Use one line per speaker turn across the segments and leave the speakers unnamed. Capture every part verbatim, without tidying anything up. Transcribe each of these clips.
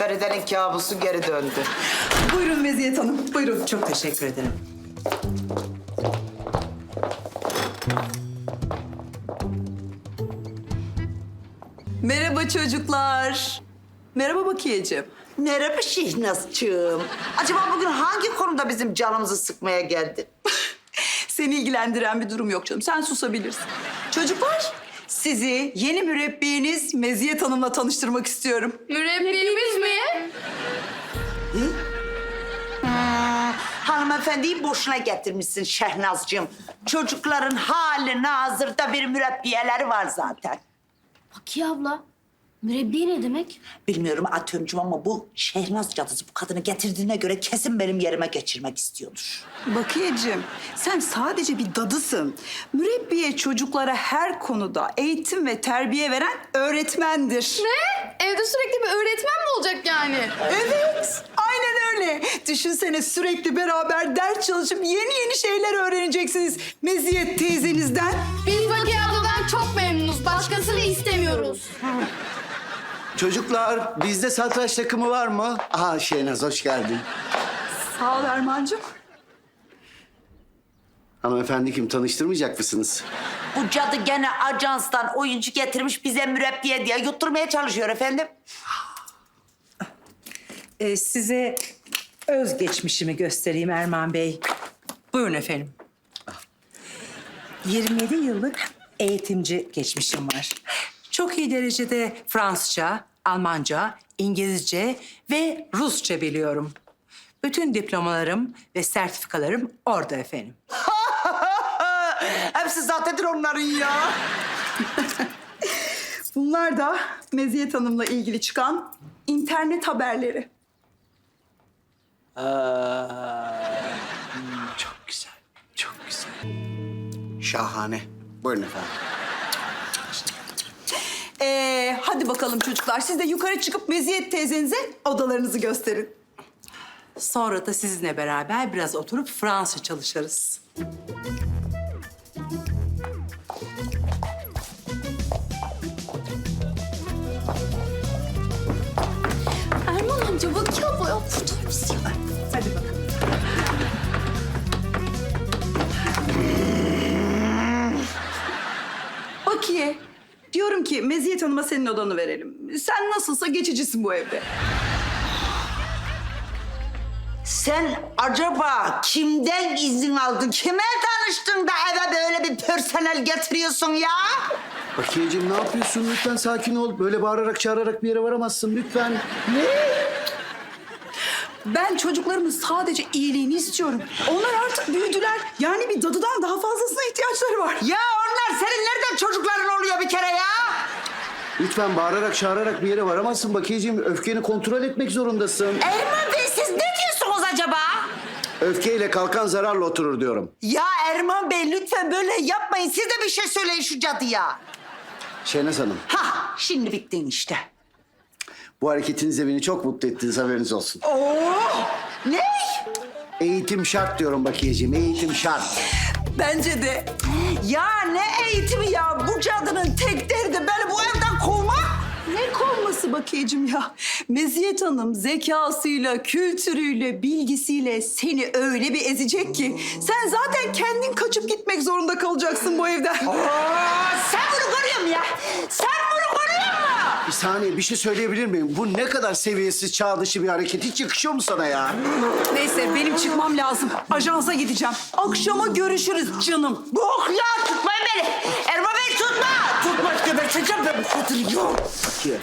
Feride'nin kabusu geri döndü.
Buyurun Meziyet Hanım, buyurun.
Çok teşekkür ederim.
Merhaba çocuklar. Merhaba Bakiyeciğim.
Merhaba Şihnaz'cığım. Acaba bugün hangi konuda bizim canımızı sıkmaya geldin?
Seni ilgilendiren bir durum yok canım. Sen susabilirsin. Çocuklar, sizi yeni mürebbiyeniz Meziyet Hanım'la tanıştırmak istiyorum.
Mürebbiyemiz mi?
Hmm, hanımefendiyi boşuna getirmişsin Şehnaz'cığım. Çocukların hali hazırda bir mürebbiyeleri var zaten.
Bakiye abla, mürebbiye ne demek?
Bilmiyorum Atömcüm ama bu Şehnaz cadısı bu kadını getirdiğine göre kesin benim yerime geçirmek istiyordur.
Bakiyeciğim, sen sadece bir dadısın. Mürebbiye çocuklara her konuda eğitim ve terbiye veren öğretmendir.
Ne? Evde sürekli bir öğretmen mi olacak yani?
Evet, aynen öyle. Düşünsene sürekli beraber ders çalışıp yeni yeni şeyler öğreneceksiniz Meziyet teyzenizden.
Biz Bakiye abladan çok memnunuz. Başkasını istemiyoruz.
Çocuklar, bizde satranç takımı var mı? Aha Şehnaz, hoş geldin.
Sağ ol Erman'cığım.
Hanımefendi kim, tanıştırmayacak mısınız?
Bu cadı gene ajanstan oyuncu getirmiş bize mürebbiye diye yutturmaya çalışıyor efendim.
Ee, size özgeçmişimi göstereyim Erman Bey. Buyurun efendim. yirmi yedi yıllık eğitimci geçmişim var. Çok iyi derecede Fransızca, Almanca, İngilizce ve Rusça biliyorum. Bütün diplomalarım ve sertifikalarım orada efendim.
Hepsi zatendir onların ya.
Bunlar da Meziyet Hanım'la ilgili çıkan internet haberleri.
Çok güzel, çok güzel. Şahane. Buyurun efendim.
Ee, hadi bakalım çocuklar. Siz de yukarı çıkıp Meziyet teyzenize odalarınızı gösterin.
Sonra da sizinle beraber biraz oturup Fransızca çalışırız.
Erman amca, Bakiye abla ya kurtar bizi ya.
Hadi bakalım.
Bakiye, diyorum ki Meziyet Hanım'a senin odanı verelim. Sen nasılsa geçicisin bu evde.
Sen acaba kimden izin aldın? Kime tanıştın da eve böyle bir personel getiriyorsun ya?
Bakiyeciğim ne yapıyorsun? Lütfen sakin ol. Böyle bağırarak çağırarak bir yere varamazsın lütfen.
Ben çocuklarımın sadece iyiliğini istiyorum. Onlar artık büyüdüler. Yani bir dadıdan daha fazlasına ihtiyaçları var.
Ya onlar senin nereden çocukların oluyor bir kere ya?
Lütfen bağırarak çağırarak bir yere varamazsın Bakiyeciğim. Öfkeni kontrol etmek zorundasın.
Erman Bey siz ne diyorsunuz acaba?
Öfkeyle kalkan zararla oturur diyorum.
Ya Erman Bey lütfen böyle yapmayın. Siz de bir şey söyleyin şu cadıya.
Şehnaz Hanım,
Hah şimdi bittin işte.
bu hareketinizle beni çok mutlu ettiniz, haberiniz olsun.
Oo! Ne?
Eğitim şart diyorum Bakiyeciğim, eğitim şart.
Bence de.
Ya ne eğitimi ya? Bu cadının tek derdi beni bu evden kovmak.
Ne kovması Bakiyeciğim ya? Meziyet Hanım zekasıyla, kültürüyle, bilgisiyle seni öyle bir ezecek ki... ...sen zaten kendin kaçıp gitmek zorunda kalacaksın bu evden.
Aa, sen bunu görüyor musun ya? Sen bunu görüyor musun?
Bir saniye, bir şey söyleyebilir miyim? Bu ne kadar seviyesiz, çağ dışı bir hareket. Hiç yakışıyor mu sana ya?
Neyse benim çıkmam lazım. Ajansa gideceğim. Akşama görüşürüz canım.
Bok ya tutmayın beni. Erman Bey tutma. Tutma geberteceğim ben bu kadını ya.
Bakiye.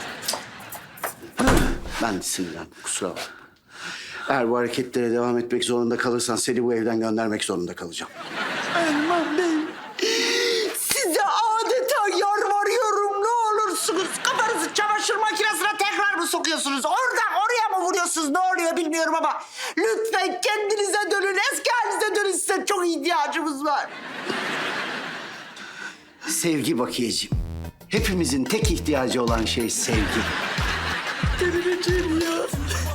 Ben de sinirlendim, kusura bakma. Eğer bu hareketlere devam etmek zorunda kalırsan seni bu evden göndermek zorunda kalacağım.
Erman Bey. Size adeta yalvarıyorum ne olursunuz. Kafanızı çamaşır makinesine tekrar mı sokuyorsunuz? Oradan oraya mı vuruyorsunuz ne oluyor bilmiyorum ama... ...lütfen kendinize dönün, eski halinize dönün. Size çok ihtiyacımız var.
Sevgi Bakiyeciğim. Hepimizin tek ihtiyacı olan şey sevgi.
Delireceğim ya.